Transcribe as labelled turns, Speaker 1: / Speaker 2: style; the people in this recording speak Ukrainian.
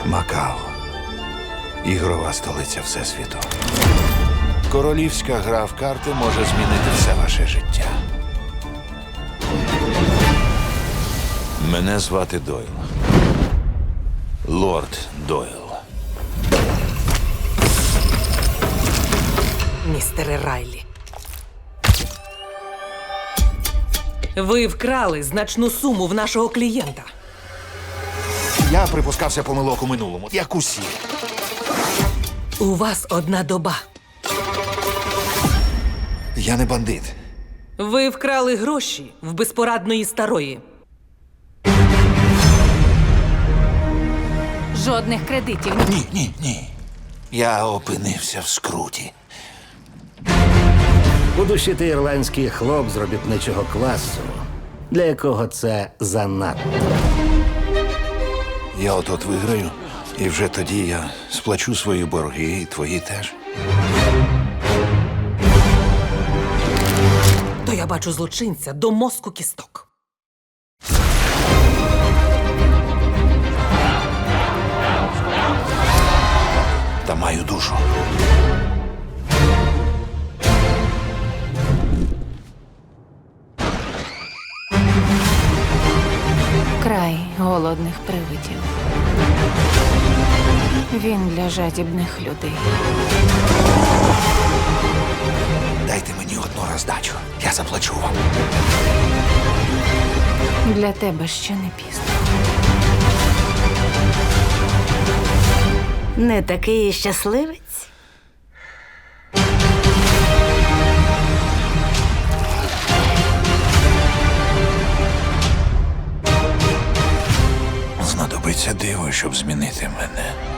Speaker 1: Макао. Ігрова столиця Всесвіту. Королівська гра в карти може змінити все ваше життя. Мене звати Дойл. Лорд Дойл.
Speaker 2: Містере Райлі. Ви вкрали значну суму в нашого клієнта.
Speaker 1: Я припускався помилок у минулому, як усі.
Speaker 2: У вас одна доба.
Speaker 1: Я не бандит.
Speaker 2: Ви вкрали гроші в безпорадної старої.
Speaker 3: Жодних кредитів.
Speaker 1: Ні. Я опинився в скруті.
Speaker 4: У душі ти ірландський хлоп з робітничого класу, для якого це занадто.
Speaker 1: Я от виграю, і вже тоді я сплачу свої борги, і твої теж.
Speaker 2: То я бачу злочинця до мозку кісток.
Speaker 1: Та маю душу.
Speaker 3: Край голодних привидів. Він для жадібних людей.
Speaker 1: Дайте мені одну роздачу. Я заплачу вам.
Speaker 3: Для тебе ще не пізно.
Speaker 5: Не такий і щасливець?
Speaker 1: Знадобиться диво, щоб змінити мене.